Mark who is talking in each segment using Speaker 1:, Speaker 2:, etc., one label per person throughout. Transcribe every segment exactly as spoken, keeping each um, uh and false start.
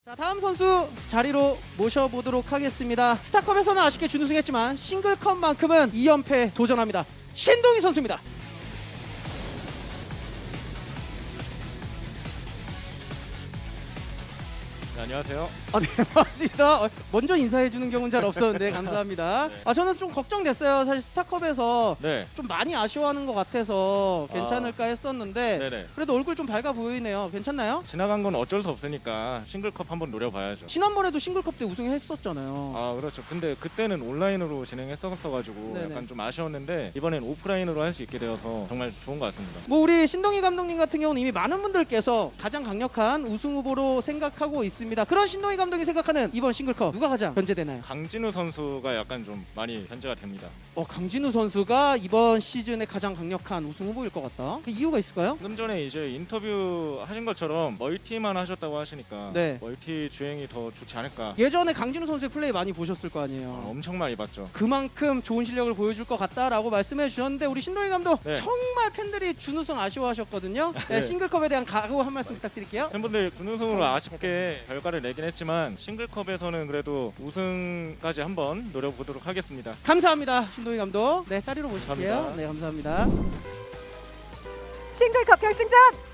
Speaker 1: 자, 다음 선수 자리로 모셔보도록 하겠습니다. 스타컵에서는 아쉽게 준우승했지만 싱글컵만큼은 이 연패 도전합니다. 신동희 선수입니다.
Speaker 2: 네, 안녕하세요.
Speaker 1: 아, 네, 반갑습니다. 어, 먼저 인사해주는 경우는 잘 없었는데 감사합니다.
Speaker 2: 네.
Speaker 1: 아, 저는 좀 걱정됐어요. 사실 스타컵에서
Speaker 2: 네.
Speaker 1: 좀 많이 아쉬워하는 것 같아서 괜찮을까 했었는데
Speaker 2: 네네.
Speaker 1: 그래도 얼굴 좀 밝아 보이네요. 괜찮나요?
Speaker 2: 지나간 건 어쩔 수 없으니까 싱글컵 한번 노려봐야죠.
Speaker 1: 지난번에도 싱글컵 때 우승했었잖아요.
Speaker 2: 아 그렇죠. 근데 그때는 온라인으로 진행했었어가지고
Speaker 1: 네네.
Speaker 2: 약간 좀 아쉬웠는데 이번엔 오프라인으로 할 수 있게 되어서 정말 좋은 것 같습니다.
Speaker 1: 뭐 우리 신동희 감독님 같은 경우는 이미 많은 분들께서 가장 강력한 우승 후보로 생각하고 있습니다. 그런 신동희 감독이 생각하는 이번 싱글컵 누가 가장 견제되나요?
Speaker 2: 강진우 선수가 약간 좀 많이 견제가 됩니다.
Speaker 1: 어, 강진우 선수가 이번 시즌에 가장 강력한 우승 후보일 것 같다. 그 이유가 있을까요?
Speaker 2: 방금 전에 이제 인터뷰 하신 것처럼 멀티만 하셨다고 하시니까
Speaker 1: 네.
Speaker 2: 멀티 주행이 더 좋지 않을까.
Speaker 1: 예전에 강진우 선수의 플레이 많이 보셨을 거 아니에요.
Speaker 2: 아, 엄청 많이 봤죠.
Speaker 1: 그만큼 좋은 실력을 보여줄 것 같다라고 말씀해 주셨는데 우리 신동희 감독
Speaker 2: 네.
Speaker 1: 정말 팬들이 준우승 아쉬워하셨거든요. 네,
Speaker 2: 네.
Speaker 1: 싱글컵에 대한 각오 한 말씀 부탁드릴게요.
Speaker 2: 팬분들 준우승으로 아쉽게 결과를 내긴 했지만 싱글컵에서는 그래도 우승까지 한번 노려보도록 하겠습니다.
Speaker 1: 감사합니다, 신동희 감독. 네, 자리로 모실게요.
Speaker 2: 감사합니다.
Speaker 1: 네, 감사합니다.
Speaker 3: 싱글컵 결승전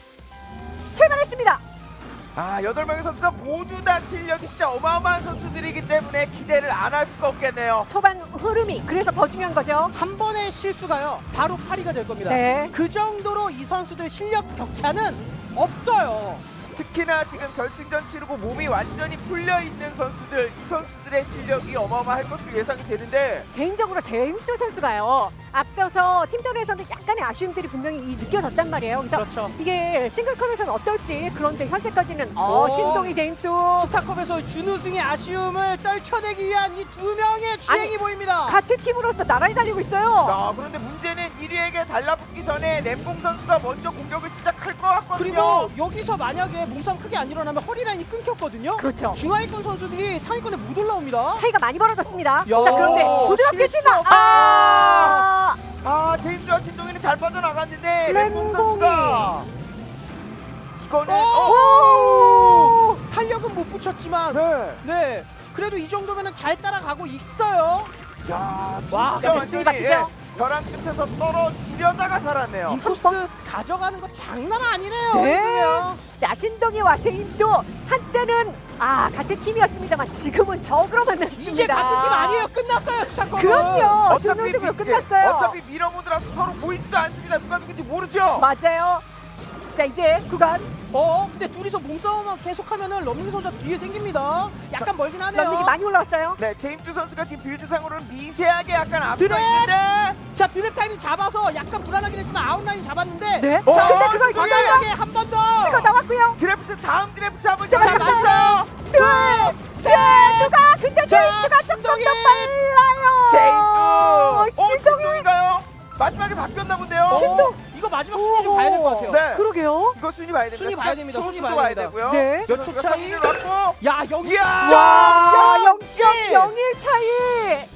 Speaker 3: 출발했습니다.
Speaker 4: 아, 여덟 명의 선수가 모두 다 실력이 진짜 어마어마한 선수들이기 때문에 기대를 안 할 수가 없겠네요.
Speaker 3: 초반 흐름이 그래서 더 중요한 거죠.
Speaker 1: 한 번의 실수가요, 바로 파리가 될 겁니다.
Speaker 3: 네.
Speaker 1: 그 정도로 이 선수들의 실력 격차는 없어요.
Speaker 4: 특히나 지금 결승전 치르고 몸이 완전히 풀려 있는 선수들, 이 선수들의 실력이 어마어마할 것으로 예상이 되는데
Speaker 3: 개인적으로 제임스 선수가요. 앞서서 팀전에서는 약간의 아쉬움들이 분명히 이 느껴졌단 말이에요. 그래서
Speaker 1: 그렇죠.
Speaker 3: 이게 싱글컵에서는 어떨지. 그런데 현재까지는 어,
Speaker 1: 오.
Speaker 3: 신동희 제임스
Speaker 1: 스타컵에서 준우승의 아쉬움을 떨쳐내기 위한 이 두 명의 주행이
Speaker 3: 아니,
Speaker 1: 보입니다.
Speaker 3: 같은 팀으로서 나란히 달리고 있어요.
Speaker 4: 아, 그런데 문제는 일 위에게 달라붙기 전에 램봉 선수가 먼저 공격을 시작할 것 같거든요.
Speaker 1: 그리고 여기서 만약에 몸싸움 크게 안 일어나면 허리 라인이 끊겼거든요.
Speaker 3: 그렇죠.
Speaker 1: 중하위권 선수들이 상위권에 못 올라옵니다.
Speaker 3: 차이가 많이 벌어졌습니다.
Speaker 1: 야,
Speaker 3: 자, 그런데 부드럽게
Speaker 1: 실수
Speaker 3: 뛰나.
Speaker 1: 없다.
Speaker 3: 아!
Speaker 4: 아, 제임스와 신동이는 잘 빠져나갔는데 램봉
Speaker 3: 램봉이.
Speaker 4: 선수가 이거는
Speaker 1: 오!
Speaker 4: 어,
Speaker 1: 탄력은 못 붙였지만
Speaker 4: 네.
Speaker 1: 네, 그래도 이 정도면 잘 따라가고 있어요.
Speaker 4: 야,
Speaker 1: 와,
Speaker 4: 진짜
Speaker 3: 멘붕이
Speaker 4: 완전히
Speaker 3: 바뀌죠?
Speaker 4: 예, 벼랑 끝에서 떨어지려다가 살았네요.
Speaker 1: 인코스 가져가는 거 장난 아니네요.
Speaker 3: 네.
Speaker 1: 그냥.
Speaker 3: 자, 신동희와 제임도 한때는 아 같은 팀이었습니다만 지금은 적으로 만났습니다.
Speaker 1: 이제 같은 팀 아니에요. 끝났어요, 스타컵은.
Speaker 3: 그럼요.
Speaker 4: 어차피
Speaker 3: 준우승으로
Speaker 4: 미-
Speaker 3: 끝났어요.
Speaker 4: 예, 어차피 밀어모드라서 서로 보이지도 않습니다. 누가 누군지 모르죠.
Speaker 3: 맞아요. 자, 이제 구간
Speaker 1: 어, 근데 둘이서 몸싸움만 계속하면은 럼닝 선수가 뒤에 생깁니다. 약간 멀긴 하네요.
Speaker 3: 런닝이 많이 올라왔어요.
Speaker 4: 네, 제임스 선수가 지금 빌드상으로는 미세하게 약간 앞서
Speaker 1: 드랩!
Speaker 4: 있는데
Speaker 1: 자, 드랩 타이밍 잡아서 약간 불안하긴 했지만 아웃라인 잡았는데.
Speaker 3: 네.
Speaker 4: 어,
Speaker 3: 자, 근데 그걸
Speaker 4: 신동희!
Speaker 3: 과감하게
Speaker 1: 한 번 더.
Speaker 3: 치고 나왔고요.
Speaker 4: 드래프트 다음 드래프트 한번
Speaker 3: 자,
Speaker 4: 잡았어요.
Speaker 3: 둘, 셋, 누가 근데
Speaker 1: 자,
Speaker 3: 제임스가 조금 더
Speaker 1: 신동희!
Speaker 3: 빨라요.
Speaker 4: 제임스. 어,
Speaker 3: 신동희.
Speaker 4: 신동인가요? 마지막에 바뀌었나 본데요.
Speaker 1: 신동. 이거 마지막 순위 좀 봐야 될 것 같아요.
Speaker 4: 네.
Speaker 3: 그러게요.
Speaker 4: 이거 순위 봐야 됩니다.
Speaker 1: 순위 봐야 됩니다. 순위
Speaker 4: 순위도
Speaker 1: 봐야
Speaker 4: 봐야
Speaker 1: 됩니다.
Speaker 4: 되고요.
Speaker 3: 네.
Speaker 1: 몇 초 차이?
Speaker 4: 왔고.
Speaker 1: 야, 여기
Speaker 4: 이야!
Speaker 3: 야, 영 점
Speaker 1: 칠.
Speaker 3: 영일 차이.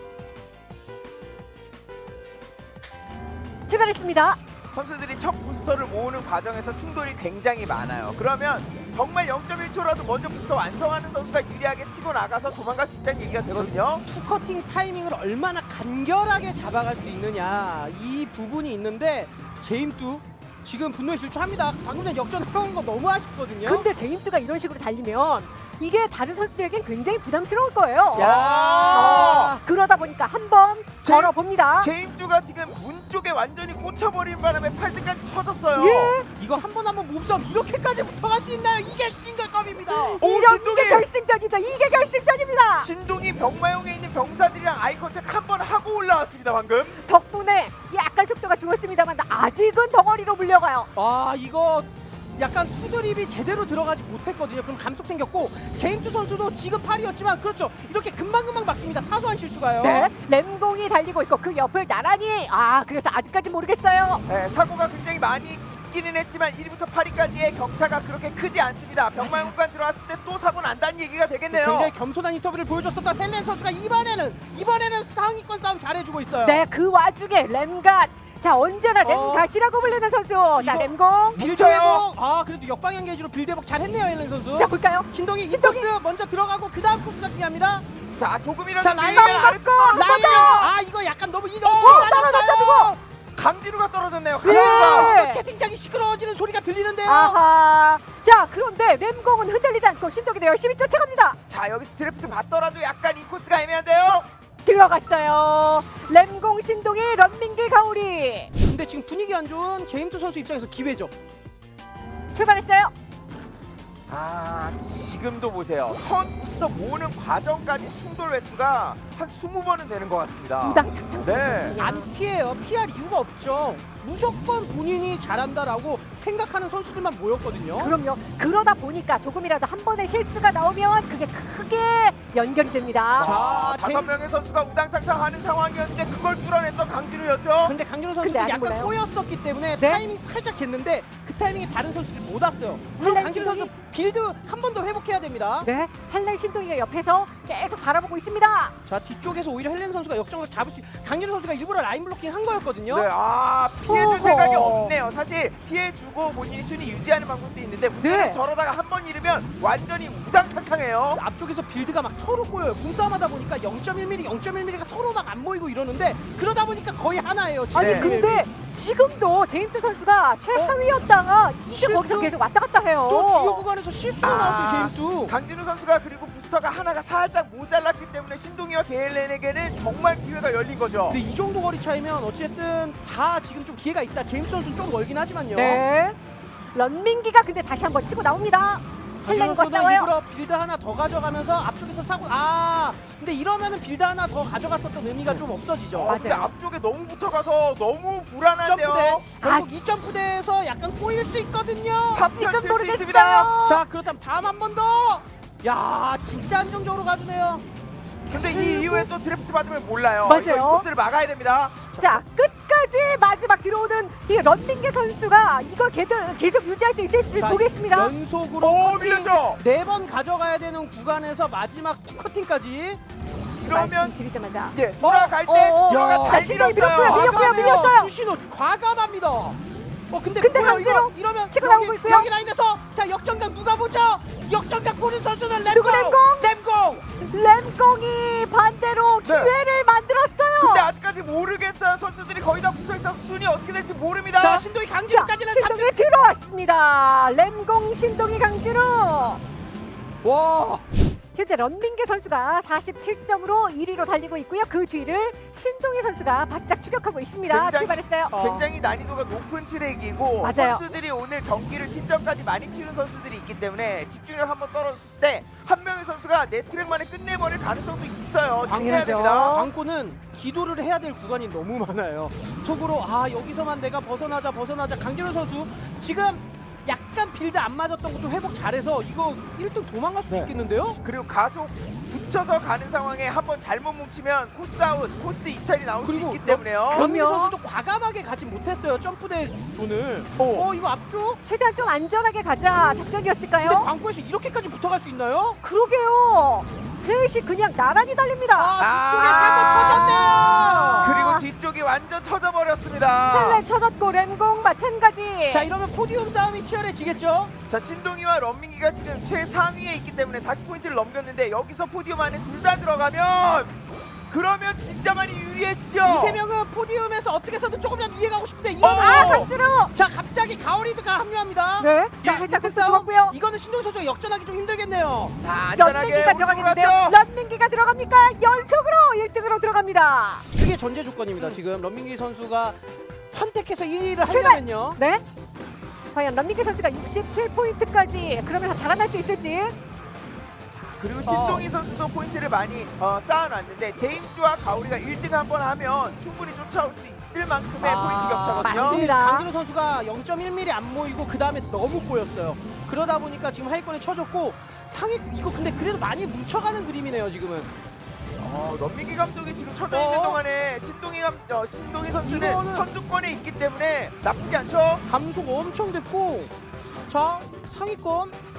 Speaker 3: 출발했습니다.
Speaker 4: 선수들이 첫 부스터를 모으는 과정에서 충돌이 굉장히 많아요. 그러면 정말 영 점 일 초라도 먼저 부스터 완성하는 선수가 유리하게 치고 나가서 도망갈 수 있다는 얘기가 되거든요.
Speaker 1: 투커팅 타이밍을 얼마나 간결하게 잡아갈 수 있느냐, 이 부분이 있는데 제임도 지금 분노에 질주합니다. 방금 전 역전한 거 너무 아쉽거든요.
Speaker 3: 근데 제임스가 이런 식으로 달리면 이게 다른 선수들에겐 굉장히 부담스러울 거예요.
Speaker 1: 야,
Speaker 3: 어, 그러다 보니까 한번
Speaker 4: 제-
Speaker 3: 걸어봅니다.
Speaker 4: 제임스가 지금 문 쪽에 완전히 꽂혀버린 바람에 팔등까지 쳐졌어요.
Speaker 3: 예.
Speaker 1: 이거 한 번 한 번 몸싸움 이렇게까지 붙어갈 수 있나요? 이게 싱글컵입니다.
Speaker 4: 오,
Speaker 3: 이런
Speaker 4: 신동이!
Speaker 3: 게 결승전이죠. 이게 결승전입니다.
Speaker 4: 신동이 병마용에 있는 병사들이랑 아이 컨택 한 번 하고 올라왔습니다 방금.
Speaker 3: 덕분에 약간 속도가 줄었습니다만 아직은 덩어리로 물려가요.
Speaker 1: 아, 이거 약간 투드립이 제대로 들어가지 못했거든요. 그럼 감속 생겼고 제임스 선수도 지금 팔이었지만 그렇죠. 이렇게 금방금방 바뀝니다. 사소한 실수가요.
Speaker 3: 네, 램공이 달리고 있고 그 옆을 나란히 아 그래서 아직까지 모르겠어요.
Speaker 4: 네, 사고가 굉장히 많이 있기는 했지만 일 위부터 팔 위까지의 격차가 그렇게 크지 않습니다. 병마용관 들어왔을 때 또 사고 난다는 얘기가 되겠네요.
Speaker 1: 굉장히 겸손한 인터뷰를 보여줬었던 헬렌 선수가 이번에는 이번에는 상위권 싸움 잘해주고 있어요.
Speaker 3: 네, 그 와중에 램갓 자 언제나 램
Speaker 1: 어.
Speaker 3: 다시라고 불리는 선수. 자
Speaker 1: 이거-
Speaker 3: 램공.
Speaker 1: 빌드 회복. 아 그래도 역방향 게이지로 빌드 회복 잘했네요 헬렌 선수.
Speaker 3: 자 볼까요?
Speaker 1: 신동이 이
Speaker 3: 신동이.
Speaker 1: 코스 먼저 들어가고 그 다음 코스가 중요합니다.
Speaker 4: 자 조금이라도
Speaker 1: 자 라인
Speaker 4: 밀리면 아래쪽
Speaker 3: 맞고,
Speaker 1: 라인
Speaker 3: 맞고.
Speaker 1: 아 이거 약간 너무 이동
Speaker 3: 어, 떨어졌어, 저거.
Speaker 4: 강진우가 떨어졌네요.
Speaker 3: 네.
Speaker 4: 강진우가.
Speaker 1: 또 채팅창이 시끄러워지는 소리가 들리는데요.
Speaker 3: 아하. 자 그런데 램공은 흔들리지 않고 신동이도 열심히 쫓아갑니다.
Speaker 4: 자 여기서 드래프트 받더라도 약간 이 코스가 애매한데요.
Speaker 3: 들어갔어요. 램공 신동이 런민기 가오리
Speaker 1: 근데 지금 분위기 안 좋은 제임스 선수 입장에서 기회죠.
Speaker 3: 출발했어요.
Speaker 4: 아 지금도 보세요. 선 부스터 모으는 과정까지 충돌 횟수가 한 스무 번은 되는 것 같습니다.
Speaker 3: 우당탕탕.
Speaker 4: 네.
Speaker 1: 안 피해요. 피할 이유가 없죠. 무조건 본인이 잘한다라고 생각하는 선수들만 모였거든요.
Speaker 3: 그럼요. 그러다 보니까 조금이라도 한 번의 실수가 나오면 그게 크게 연결이 됩니다.
Speaker 1: 자,
Speaker 4: 다섯
Speaker 1: 제-
Speaker 4: 명의 선수가 우당탕탕 하는 상황이었는데 그걸 뚫어냈던 강진우였죠.
Speaker 1: 근데 강준호
Speaker 3: 근데
Speaker 1: 선수도
Speaker 3: 아직
Speaker 1: 약간
Speaker 3: 몰라요.
Speaker 1: 꼬였었기 때문에
Speaker 3: 네?
Speaker 1: 타이밍 살짝 쟀는데 그 타이밍에 다른 선수들이 못 왔어요. 물론
Speaker 3: 한란
Speaker 1: 강준호 선수 빌드 한 번 더 회복해야 됩니다.
Speaker 3: 네, 한란 신동이가 옆에서 계속 바라보고 있습니다.
Speaker 1: 자 뒤쪽에서 오히려 헬렌 선수가 역정을 잡을 수 강준호 선수가 일부러 라인 블로킹 한 거였거든요.
Speaker 4: 네, 아 피해줄
Speaker 3: 어허.
Speaker 4: 생각이 없네요. 사실 피해주고 본인이 순위 유지하는 방법도 있는데 문제는
Speaker 3: 네.
Speaker 4: 저러다가 한 번 잃으면 완전히 우당탕탕해요.
Speaker 1: 앞쪽에서 빌드가 막 서로 꼬여요. 몸싸움하다 보니까 영 점 일 밀리미터, 영 점 일 밀리미터가 서로 막 안 모이고 이러는데 그러다 보니까 거의 하나예요. 지금.
Speaker 3: 아니
Speaker 4: 네.
Speaker 3: 근데 지금도 제임스 선수가 최하위였다가 이제
Speaker 1: 실수?
Speaker 3: 거기서 계속 왔다 갔다 해요.
Speaker 1: 또 주요 구간에서 실수가
Speaker 4: 아.
Speaker 1: 나왔어요. 제임스.
Speaker 4: 강진우 선수가 그리고 부스터가 하나가 살짝 모자랐기 때문에 신동이와 게일렌에게는 정말 기회가 열린 거죠.
Speaker 1: 근데 이 정도 거리 차이면 어쨌든 다 지금 좀 기회가 있다. 제임스 선수는 좀 멀긴 하지만요.
Speaker 3: 네. 런민기가 근데 다시 한번 치고 나옵니다. 헬렌과
Speaker 1: 선수도
Speaker 3: 싸워요.
Speaker 1: 일부러 빌드 하나 더 가져가면서 앞쪽에서 사고 아 근데 이러면은 빌드 하나 더 가져갔었던 의미가 좀 없어지죠.
Speaker 4: 어, 근데
Speaker 3: 맞아요.
Speaker 4: 앞쪽에 너무 붙어가서 너무 불안한데요.
Speaker 1: 점프대 결국 이 점프대에서 약간 꼬일 수 있거든요.
Speaker 4: 팝
Speaker 3: 지금
Speaker 4: 펼칠 수
Speaker 3: 모르겠어요.
Speaker 4: 있습니다.
Speaker 1: 자 그렇다면 다음 한 번 더. 야 진짜 안정적으로 가주네요.
Speaker 4: 근데 이 이후에 또 드래프트 받으면 몰라요.
Speaker 3: 맞아요.
Speaker 4: 이거 이 코스를 막아야 됩니다.
Speaker 3: 자 끝까지 마지막 들어오는 이 런민기 선수가 이걸 계속, 계속 유지할 수 있을지
Speaker 1: 자,
Speaker 3: 보겠습니다.
Speaker 1: 연속으로
Speaker 4: 오 밀렸죠.
Speaker 1: 네번 가져가야 되는 구간에서 마지막 투 커팅까지.
Speaker 4: 그러면
Speaker 3: 말씀드리자마자
Speaker 4: 이제 돌아갈 때
Speaker 3: 어, 어,
Speaker 4: 기어가
Speaker 3: 어.
Speaker 4: 잘
Speaker 3: 자, 신동이
Speaker 4: 밀었어요.
Speaker 3: 밀었고요. 밀렸고요,
Speaker 1: 과감해요.
Speaker 3: 밀렸어요.
Speaker 1: 수신호 과감합니다. 어 근데,
Speaker 3: 근데
Speaker 1: 뭐야,
Speaker 3: 강제로
Speaker 1: 이거 이러면
Speaker 3: 치고
Speaker 1: 여기,
Speaker 3: 나오고 있고요.
Speaker 1: 여기 라인에서 자 역전각 누가 보죠? 역전각 보는 선수는
Speaker 3: 누구
Speaker 1: 램공.
Speaker 3: 램공?
Speaker 1: 램공.
Speaker 3: 램공이 반대로
Speaker 4: 네.
Speaker 3: 기회를 만들었어요.
Speaker 4: 근데 아직까지 모르겠어요. 선수들이 거의 다 붙어 있어서 순위 어떻게 될지 모릅니다.
Speaker 1: 자 신동이 강진까지는 삼
Speaker 3: 신동이 들어왔습니다. 램공 신동이 강진우.
Speaker 1: 와.
Speaker 3: 현재 런민기 선수가 사십칠 점으로 일 위로 달리고 있고요. 그 뒤를 신동희 선수가 바짝 추격하고 있습니다.
Speaker 4: 굉장히-
Speaker 3: 출발했어요.
Speaker 1: 어.
Speaker 4: 굉장히 난이도가 높은 트랙이고
Speaker 3: 맞아요.
Speaker 4: 선수들이 오늘 경기를 팀전까지 많이 치는 선수들이 있기 때문에 집중력 한번 떨어졌을 때 한 명의 선수가 내 트랙만에 끝내버릴 가능성도 있어요. 조심해야
Speaker 3: 당연하죠.
Speaker 4: 됩니다.
Speaker 1: 광고는 기도를 해야 될 구간이 너무 많아요. 속으로 아 여기서만 내가 벗어나자 벗어나자. 강진호 선수 지금 약간 빌드 안 맞았던 것도 회복 잘해서 이거 일 등 도망갈 수
Speaker 4: 네.
Speaker 1: 있겠는데요?
Speaker 4: 그리고 가속 붙여서 가는 상황에 한번 잘못 뭉치면 코스 아웃, 코스 이탈이 나올 수
Speaker 1: 그리고
Speaker 4: 있기 때문에요.
Speaker 1: 런미
Speaker 3: 그럼요.
Speaker 1: 선수도 과감하게 가지 못했어요. 점프대 존을.
Speaker 4: 오.
Speaker 1: 어 이거 앞쪽?
Speaker 3: 최대한 좀 안전하게 가자
Speaker 1: 근데
Speaker 3: 작전이었을까요?
Speaker 1: 광고에서 이렇게까지 붙어갈 수 있나요?
Speaker 3: 그러게요. 셋이 그냥 나란히 달립니다.
Speaker 1: 아 뒤쪽에
Speaker 4: 아.
Speaker 1: 사고 터졌네요.
Speaker 4: 그리고 뒤쪽이 완전 터져버렸습니다.
Speaker 3: 헬렌 쳐졌고 램공 마찬가지.
Speaker 1: 자 이러면 포디움 싸움이 치열해지겠죠?
Speaker 4: 자 신동이와 런민기가 지금 최상위에 있기 때문에 사십 포인트를 넘겼는데 여기서 포디움 안에 둘 다 들어가면 그러면 진짜 많이 유리해지죠.
Speaker 1: 이 세 명은 포디움에서 어떻게 해서든 조금이라도 이해가고 싶은데
Speaker 4: 어.
Speaker 1: 이러면
Speaker 3: 아 강진우.
Speaker 1: 자 갑자기 가오리드가 합류합니다.
Speaker 3: 네.
Speaker 1: 자
Speaker 3: 자 살짝
Speaker 1: 일등
Speaker 3: 코스
Speaker 1: 싸움.
Speaker 3: 좋았고요.
Speaker 1: 이거는 신동 선수가 역전하기 좀 힘들겠네요.
Speaker 4: 자 안전하게
Speaker 3: 런민기가
Speaker 4: 오른쪽으로
Speaker 3: 들어가겠는데요.
Speaker 4: 갔죠.
Speaker 3: 런민기가 들어갑니까? 연속으로 일 등으로 들어갑니다.
Speaker 1: 그게 전제 조건입니다. 지금 런민기 선수가 선택해서 일 위를
Speaker 3: 출발!
Speaker 1: 하려면요.
Speaker 3: 네. 과연 런민기 선수가 육십칠 포인트까지 그러면서 달아날 수 있을지.
Speaker 4: 그리고 신동희 선수도 포인트를 많이 어, 쌓아놨는데 제임스와 가오리가 일 등 한번 하면 충분히 쫓아올 수 있을 만큼의
Speaker 1: 아,
Speaker 4: 포인트 격차거든요.
Speaker 3: 맞습니다.
Speaker 1: 강진호 선수가 영 점 일 밀리미터 안 모이고 그 다음에 너무 꼬였어요. 그러다 보니까 지금 하위권에 쳐줬고 상위 이거 근데 그래도 많이 뭉쳐가는 그림이네요 지금은.
Speaker 4: 어, 런민기 감독이 지금 쳐져
Speaker 1: 어?
Speaker 4: 있는 동안에 신동희 감, 어, 신동희 선수는
Speaker 1: 이거는-
Speaker 4: 선두권에 있기 때문에 나쁘지 않죠.
Speaker 1: 감속 엄청 됐고 자 상위권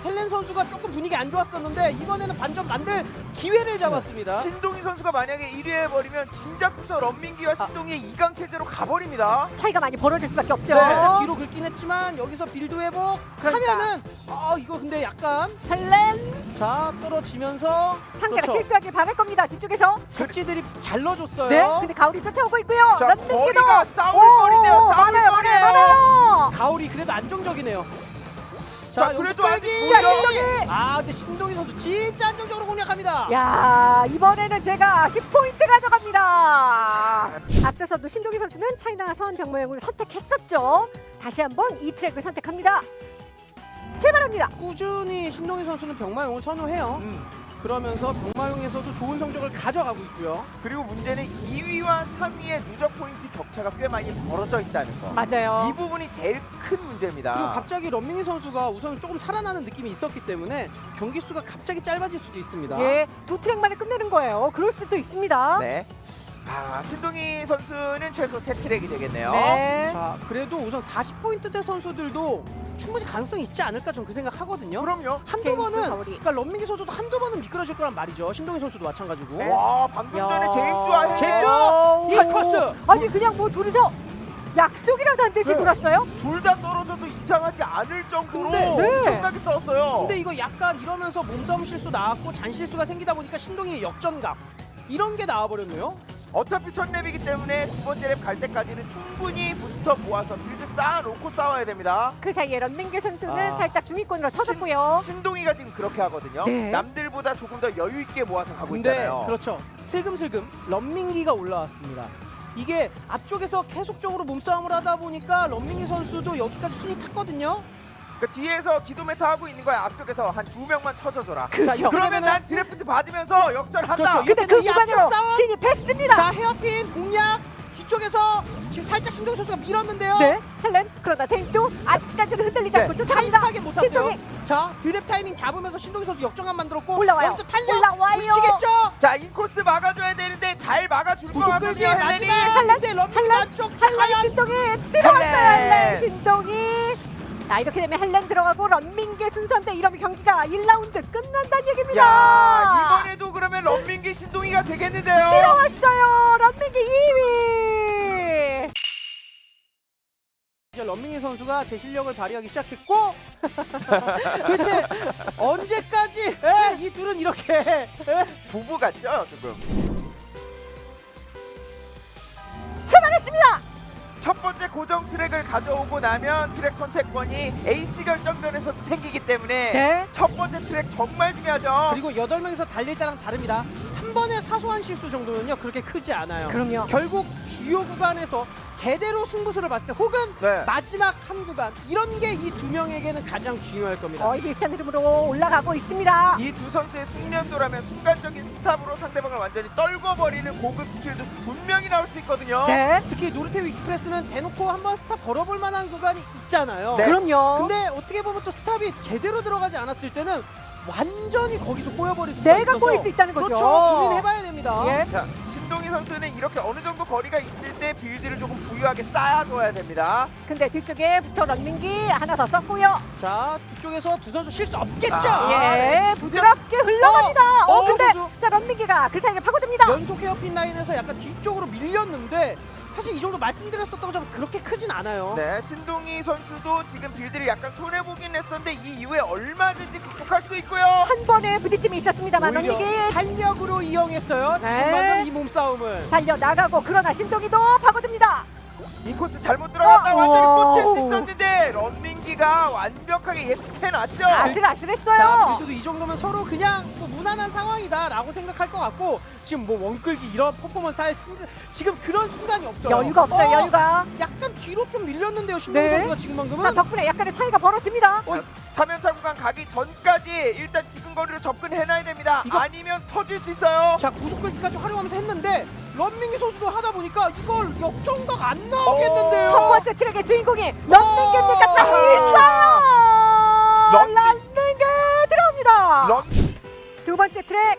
Speaker 1: 헬렌 선수가 조금 분위기 안 좋았었는데 이번에는 반전 만들 기회를 잡았습니다.
Speaker 4: 신동희 선수가 만약에 일 위 해버리면 진작부터 런민기와 신동희의 이 강 체제로 가버립니다.
Speaker 3: 차이가 많이 벌어질 수밖에 없죠.
Speaker 1: 네, 살짝 뒤로 긁긴 했지만 여기서 빌드 회복
Speaker 3: 그러니까.
Speaker 1: 하면은 아 이거 근데 약간
Speaker 3: 헬렌
Speaker 1: 자 떨어지면서
Speaker 3: 상대가
Speaker 1: 그렇죠.
Speaker 3: 실수하길 바랄 겁니다. 뒤쪽에서.
Speaker 1: 착지들이 잘 넣어줬어요.
Speaker 3: 네. 근데 가울이 쫓아오고 있고요.
Speaker 4: 자,
Speaker 3: 런민기도
Speaker 4: 거리가 싸울거리네요.
Speaker 3: 많아요,
Speaker 4: 싸울거리예요.
Speaker 3: 많아요, 많아요.
Speaker 1: 가울이 그래도 안정적이네요.
Speaker 4: 자,
Speaker 1: 여기서
Speaker 4: 그래도
Speaker 1: 끌기!
Speaker 4: 아직
Speaker 3: 자,
Speaker 4: 도전!
Speaker 3: 신동희.
Speaker 1: 아 근데 신동희 선수 진짜 안정적으로 공략합니다.
Speaker 3: 야, 이번에는 제가 십 포인트 가져갑니다. 앞서서도 신동희 선수는 차이나 서원 병모형을 선택했었죠. 다시 한번 이 트랙을 선택합니다. 출발합니다.
Speaker 1: 꾸준히 신동희 선수는 병마용을 선호해요.
Speaker 4: 음.
Speaker 1: 그러면서 병마용에서도 좋은 성적을 가져가고 있고요.
Speaker 4: 그리고 문제는 이 위와 삼 위의 누적 포인트 격차가 꽤 많이 벌어져 있다는 거.
Speaker 3: 맞아요.
Speaker 4: 이 부분이 제일 큰 문제입니다.
Speaker 1: 그리고 갑자기 런밍이 선수가 우선 조금 살아나는 느낌이 있었기 때문에 경기 수가 갑자기 짧아질 수도 있습니다.
Speaker 3: 예, 두 트랙 만에 끝내는 거예요. 그럴 수도 있습니다.
Speaker 4: 네. 아, 신동희 선수는 최소 세 트랙이 되겠네요.
Speaker 3: 네.
Speaker 1: 자, 그래도 우선 사십 포인트대 선수들도 충분히 가능성이 있지 않을까 저는 그 생각 하거든요.
Speaker 4: 그럼요.
Speaker 1: 한두
Speaker 3: 제임스
Speaker 1: 번은
Speaker 3: 가오리.
Speaker 1: 그러니까 런밍이 선수도 한두 번은 미끄러질 거란 말이죠. 신동희 선수도 마찬가지고.
Speaker 3: 네.
Speaker 4: 와, 방금 전에 제임스와
Speaker 1: 제임스!
Speaker 3: 오.
Speaker 1: 이 코스!
Speaker 3: 아니 그냥 뭐 둘이서 약속이라도 안 듯이
Speaker 4: 네.
Speaker 3: 놀았어요?
Speaker 4: 둘 다 떨어져도 이상하지 않을 정도로
Speaker 1: 근데-
Speaker 3: 네.
Speaker 4: 엄청나게 싸웠어요.
Speaker 1: 근데 이거 약간 이러면서 몸싸움 실수 나왔고 잔 실수가 생기다 보니까 신동희의 역전각 이런 게 나와버렸네요.
Speaker 4: 어차피 첫 랩이기 때문에 두 번째 랩 갈 때까지는 충분히 부스터 모아서 빌드 쌓아놓고 싸워야 됩니다.
Speaker 3: 그 사이에 런민기 선수는
Speaker 1: 아.
Speaker 3: 살짝 중위권으로 쳐졌고요.
Speaker 4: 신동희가 지금 그렇게 하거든요.
Speaker 3: 네.
Speaker 4: 남들보다 조금 더 여유 있게 모아서 가고
Speaker 1: 근데
Speaker 4: 있잖아요.
Speaker 1: 그렇죠. 슬금슬금 런민기가 올라왔습니다. 이게 앞쪽에서 계속적으로 몸싸움을 하다 보니까 런민기 선수도 여기까지 순위 탔거든요.
Speaker 4: 그러니까 뒤에서 기도 메타 하고 있는 거야. 앞쪽에서 한 두 명만 터져줘라.
Speaker 3: 그렇죠.
Speaker 1: 자, 이렇게
Speaker 4: 그러면
Speaker 1: 되면은-
Speaker 4: 난 드래프트 받으면서 역전한다.
Speaker 1: 그렇죠.
Speaker 3: 근데
Speaker 1: 이렇게
Speaker 3: 그
Speaker 1: 되면 이 앞쪽
Speaker 3: 구간으로
Speaker 1: 싸움!
Speaker 3: 진입했습니다.
Speaker 1: 자, 헤어핀 공략 뒤쪽에서 지금 살짝 신동희 선수가 밀었는데요.
Speaker 3: 네, 헬렌 그러다 제임스도 아직까지는 흔들리지
Speaker 4: 네.
Speaker 3: 않고 쫓아갑니다.
Speaker 1: 타이트하게 못 탔어요.
Speaker 3: 신동희
Speaker 1: 자, 드랩 타이밍 잡으면서 신동희 선수 역전감 만들었고
Speaker 3: 올라와요.
Speaker 1: 여기서 탄력
Speaker 3: 올라와요.
Speaker 1: 미치겠죠?
Speaker 4: 자, 인코스 막아줘야 되는데 잘 막아줄 것
Speaker 1: 구속
Speaker 4: 같거든요.
Speaker 1: 끌기
Speaker 4: 헬렌이.
Speaker 1: 마지막 근데 런민기
Speaker 3: 헬렌,
Speaker 1: 안쪽
Speaker 3: 헬렌
Speaker 1: 과연
Speaker 3: 신동희 들어왔어요.
Speaker 4: 헬렌.
Speaker 3: 헬렌 신동희. 자, 이렇게 되면 헬렌 들어가고 런민기 순서인데 이러면 경기가 일 라운드 끝난다는 얘기입니다.
Speaker 4: 야, 이번에도 그러면 런민기 신동희가 되겠는데요.
Speaker 3: 들어왔어요. 런민기 이 위.
Speaker 1: 이제 런민기 선수가 제 실력을 발휘하기 시작했고 도대체 언제까지 에? 이 둘은 이렇게 에?
Speaker 4: 부부 같죠, 조금.
Speaker 3: 출발했습니다.
Speaker 4: 첫 번째 고정 트랙을 가져오고 나면 트랙 선택권이 에이스 결정전에서도 생기기 때문에
Speaker 3: 네.
Speaker 4: 첫 번째 트랙 정말 중요하죠.
Speaker 1: 그리고 여덟 명이서 달릴 때랑 다릅니다. 한 번의 사소한 실수 정도는요 그렇게 크지 않아요.
Speaker 3: 그럼요.
Speaker 1: 결국 주요 구간에서 제대로 승부수를 봤을 때 혹은
Speaker 4: 네.
Speaker 1: 마지막 한 구간 이런 게 이 두 명에게는 가장 중요할 겁니다.
Speaker 3: 거의 비슷한 흐름으로 올라가고 있습니다.
Speaker 4: 이 두 선수의 숙련도라면 순간적인 스탑으로 상대방을 완전히 떨궈버리는 고급 스킬도 분명히 나올 수 있거든요.
Speaker 3: 네.
Speaker 1: 특히 노르테우 익스프레스는 대놓고 한번 스탑 걸어볼 만한 구간이 있잖아요.
Speaker 4: 네.
Speaker 3: 그럼요.
Speaker 1: 근데 어떻게 보면 또 스탑이 제대로 들어가지 않았을 때는 완전히 거기서 꼬여버릴 수가
Speaker 3: 내가
Speaker 1: 있어서
Speaker 3: 꼬일 수 있다는 거죠.
Speaker 1: 그렇죠. 고민해봐야 됩니다.
Speaker 3: 예.
Speaker 4: 자, 신동희 선수는 이렇게 어느 정도 거리가 있을 때 빌드를 조금 부유하게 쌓아둬야 됩니다.
Speaker 3: 근데 뒤쪽에 부터 런민기 하나 더 썼고요.
Speaker 1: 자, 뒤쪽에서 두 선수 실수 없겠죠?
Speaker 4: 아,
Speaker 3: 예, 부드럽게 흘러갑니다. 어,
Speaker 1: 어,
Speaker 3: 근데
Speaker 1: 선수.
Speaker 3: 자 런민기가 그 사이를 파고듭니다.
Speaker 1: 연속 헤어핀 라인에서 약간 뒤쪽으로 밀렸는데 사실 이 정도 말씀드렸었던 것처럼 그렇게 크진 않아요.
Speaker 4: 네, 신동희 선수도 지금 빌드를 약간 손해보긴 했었는데 이 이후에 얼마든지 극복할 수 있고요.
Speaker 3: 한 번의 부딪힘이 있었습니다만
Speaker 1: 오히려
Speaker 3: 런민기
Speaker 1: 탄력으로 이용했어요. 지금
Speaker 3: 네.
Speaker 1: 방금 이 몸싸움을.
Speaker 3: 달려 나가고 그러나 신동이도 파고듭니다.
Speaker 4: 인코스 잘못 들어갔다
Speaker 3: 어,
Speaker 4: 완전히 꽂힐
Speaker 3: 오.
Speaker 4: 수 있었는데 런민기가 완벽하게 예측해놨죠.
Speaker 3: 아슬아슬했어요.
Speaker 1: 자, 그래도 이 정도면 서로 그냥 뭐 무난한 상황이다라고 생각할 것 같고 지금 뭐 원끌기 이런 퍼포먼스 할 순간, 지금 그런 순간이 없어요.
Speaker 3: 여유가 없어요.
Speaker 1: 어,
Speaker 3: 여유가.
Speaker 1: 약간 뒤로 좀 밀렸는데요. 신동희
Speaker 3: 네.
Speaker 1: 선수가 지금 방금은.
Speaker 3: 자 덕분에 약간의 차이가 벌어집니다.
Speaker 4: 자, 삼 연타 구간 가기 전까지 일단 지금 거리로 접근해놔야 됩니다.
Speaker 1: 이거-
Speaker 4: 아니면 터질 수 있어요.
Speaker 1: 자, 구속끌기까지 활용하면서 했는데 런민기 선수도 하다 보니까 이걸 역전각 안 나오겠는데요.
Speaker 3: 첫 번째 트랙의 주인공이 런민기입니까?
Speaker 1: 어.
Speaker 3: 다 있어요.
Speaker 4: 런민-
Speaker 3: 런민기 들어옵니다.
Speaker 4: 런
Speaker 3: 두 번째 트랙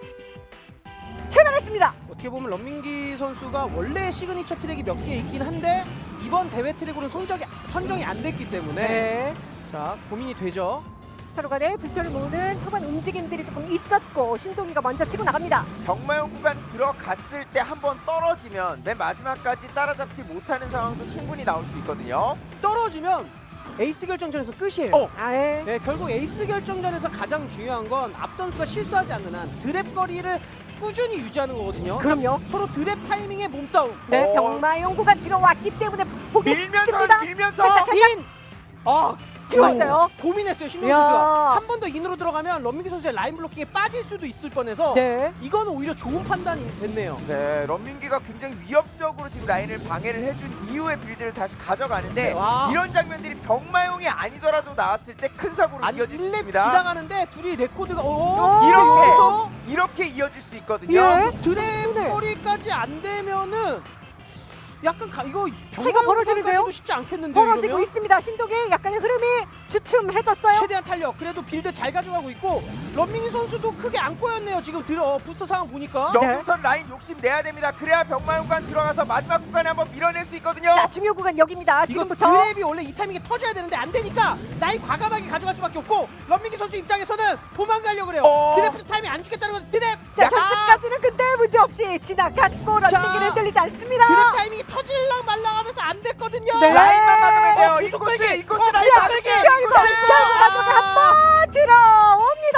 Speaker 3: 출발했습니다.
Speaker 1: 어떻게 보면 런민기 선수가 원래 시그니처 트랙이 몇 개 있긴 한데 이번 대회 트랙으로는 선정이, 선정이 안 됐기 때문에
Speaker 3: 네.
Speaker 1: 자, 고민이 되죠.
Speaker 3: 서로 간에 불편을 모으는 초반 움직임들이 조금 있었고 신동이가 먼저 치고 나갑니다.
Speaker 4: 경마용 구간 들어갔을 때 한번 떨어지면 맨 마지막까지 따라잡지 못하는 상황도 충분히 나올 수 있거든요.
Speaker 1: 떨어지면 에이스 결정전에서 끝이에요.
Speaker 4: 어.
Speaker 3: 아예
Speaker 1: 네, 결국 에이스 결정전에서 가장 중요한 건 앞 선수가 실수하지 않는 한 드랩 거리를 꾸준히 유지하는 거거든요.
Speaker 3: 그럼요.
Speaker 1: 서로 드랩 타이밍의 몸싸움.
Speaker 3: 네,
Speaker 4: 어.
Speaker 3: 병마용 구간 들어왔기 때문에 보겠습니다.
Speaker 4: 밀면서 밀면서
Speaker 3: 살짝, 살짝.
Speaker 1: 인! 아,
Speaker 3: 들어왔어요.
Speaker 1: 고민했어요, 신동
Speaker 3: 이야.
Speaker 1: 선수가. 한 번 더 인으로 들어가면 런민기 선수의 라인 블로킹에 빠질 수도 있을 뻔해서
Speaker 3: 네.
Speaker 1: 이거는 오히려 좋은 판단이 됐네요.
Speaker 4: 네, 런민기가 굉장히 위협적으로 지금 라인을 방해를 해준 이후의 빌드를 다시 가져가는데
Speaker 1: 와.
Speaker 4: 이런 장면들이 병마용이 아니더라도 나왔을 때 큰 사고로
Speaker 1: 아니
Speaker 4: 이어질 수
Speaker 1: 일 렙
Speaker 4: 있습니다.
Speaker 1: 지나가는데 둘이 레코드가
Speaker 3: 어.
Speaker 1: 오,
Speaker 4: 이렇게
Speaker 1: 여기서
Speaker 4: 이렇게 이어질 수 있거든요.
Speaker 3: 예.
Speaker 1: 드랩
Speaker 3: 네.
Speaker 1: 거리까지 안 되면은 약간 가, 이거
Speaker 3: 차이가 벌어지는데요?
Speaker 1: 병마용까지도 쉽지 않겠는데요.
Speaker 3: 벌어지고
Speaker 1: 이러면?
Speaker 3: 있습니다. 신동이 약간의 흐름이 주춤해졌어요.
Speaker 1: 최대한 탄력. 그래도 빌드 잘 가져가고 있고 런민기 선수도 크게 안 꼬였네요. 지금 들어 부스터 상황 보니까.
Speaker 4: 여기부터 라인 욕심 내야 됩니다. 그래야 병마용관 들어가서 마지막 구간에 한번 밀어낼 수 있거든요.
Speaker 3: 자, 중요 구간 여기입니다.
Speaker 1: 이거
Speaker 3: 지금부터.
Speaker 1: 드랩이 원래 이 타이밍에 터져야 되는데 안 되니까 라인 과감하게 가져갈 수밖에 없고 런민기 선수 입장에서는 도망가려고 그래요.
Speaker 4: 어.
Speaker 1: 드랩 타이밍 안 주겠다는 건 드랩.
Speaker 3: 자,
Speaker 1: 야!
Speaker 3: 결승까지는 근데 문제 없이 지나갔고 런닝기는 흔들리지 않습니다.
Speaker 1: 드랩 타이밍이 터질랑 말랑 하면서 안 됐거든요.
Speaker 3: 네.
Speaker 4: 라인만 막으면 돼요.
Speaker 1: 어,
Speaker 4: 이
Speaker 1: 구속
Speaker 4: 코스,
Speaker 1: 끌기.
Speaker 4: 이 코스
Speaker 1: 어,
Speaker 4: 라인
Speaker 1: 자,
Speaker 4: 막을게.
Speaker 1: 끌기.
Speaker 4: 이
Speaker 3: 결국
Speaker 4: 코스.
Speaker 3: 결국 가져가 한번 들어옵니다.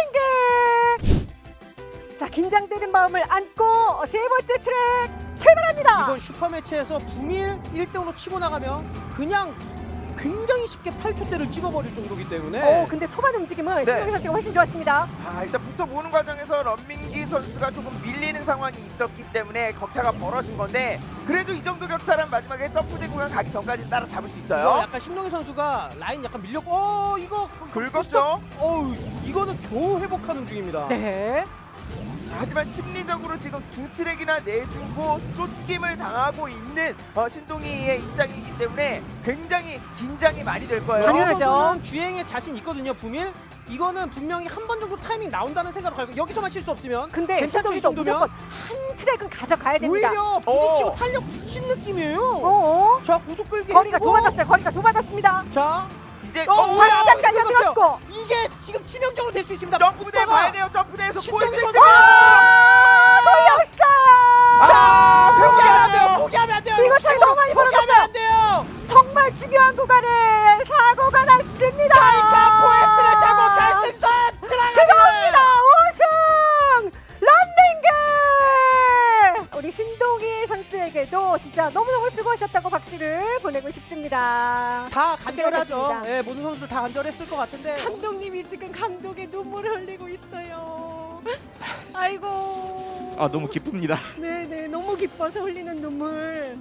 Speaker 3: 런닝기. 자, 긴장되는 마음을 안고 세 번째 트랙 출발합니다.
Speaker 1: 이건 슈퍼매치에서 부밀 일 등으로 치고 나가면 그냥 굉장히 쉽게 팔 초대를 찍어버릴 정도기 때문에
Speaker 3: 어, 근데 초반 움직임은
Speaker 4: 네.
Speaker 3: 신동희 선수가 훨씬 좋았습니다.
Speaker 4: 아, 일단 부스터 모으는 과정에서 런민기 선수가 조금 밀리는 상황이 있었기 때문에 격차가 벌어진 건데 그래도 이 정도 격차는 마지막에 점프대 구간 가기 전까지 따라잡을 수
Speaker 1: 이거
Speaker 4: 있어요.
Speaker 1: 약간 신동희 선수가 라인 약간 밀렸고 어 이거
Speaker 4: 긁었죠?
Speaker 1: 어우 이거는 겨우 회복하는 중입니다.
Speaker 3: 네.
Speaker 4: 자, 하지만 심리적으로 지금 두 트랙이나 내주고 쫓김을 당하고 있는 어, 신동희의 입장이기 때문에 굉장히 긴장이 많이 될 거예요.
Speaker 3: 당연하죠.
Speaker 1: 선수는 주행에 자신 있거든요. 부밀 이거는 분명히 한 번 정도 타이밍 나온다는 생각을 가지고 여기서만 실수 없으면
Speaker 3: 근데
Speaker 1: 괜찮죠, 이
Speaker 3: 신동희도
Speaker 1: 정도면?
Speaker 3: 무조건 한 트랙은 가져가야 됩니다.
Speaker 1: 오히려 부딪히고
Speaker 4: 어.
Speaker 1: 탄력 붙인 느낌이에요.
Speaker 3: 어,
Speaker 1: 자 고속 끌기
Speaker 3: 거리가
Speaker 1: 해주고.
Speaker 3: 좁아졌어요. 거리가 좁아졌습니다.
Speaker 1: 자
Speaker 4: 이제
Speaker 1: 어,
Speaker 4: 어,
Speaker 1: 뭐야?
Speaker 3: 살짝
Speaker 1: 이거
Speaker 3: 깔려들었고.
Speaker 1: 이게 지금 치명적으로 될 수 있습니다.
Speaker 4: 점프대
Speaker 1: 붙다가.
Speaker 4: 봐야 돼요. 점프대에서
Speaker 1: 신동희
Speaker 4: 보일 수
Speaker 1: 선수.
Speaker 4: 있습니다.
Speaker 3: 아, 돌렸어요.
Speaker 1: 자 포기하면 안
Speaker 4: 포기하면
Speaker 1: 돼요. 포기하면 안 돼요.
Speaker 3: 이거 차이 너무 많이
Speaker 1: 포기하면
Speaker 3: 벌어졌어요.
Speaker 1: 안 돼요.
Speaker 3: 정말 중요한 구간에 사고가 났습니다.
Speaker 1: 다이사 포에스를 타고 결승선 들어갑니다.
Speaker 3: 들어갑니다. 우승 런닝게. 우리 신동희 선수에게도 진짜 너무너무 수고하셨다고 박수를 보내고 싶습니다.
Speaker 1: 다 간절하죠.
Speaker 3: 고생하셨습니다.
Speaker 1: 예, 모든 선수들 다 간절했을 것 같은데.
Speaker 3: 감독님이 지금 감독의 눈물을 흘리고 있어요. 아이고.
Speaker 5: 아 너무 기쁩니다.
Speaker 3: 네네 너무 기뻐서 흘리는 눈물.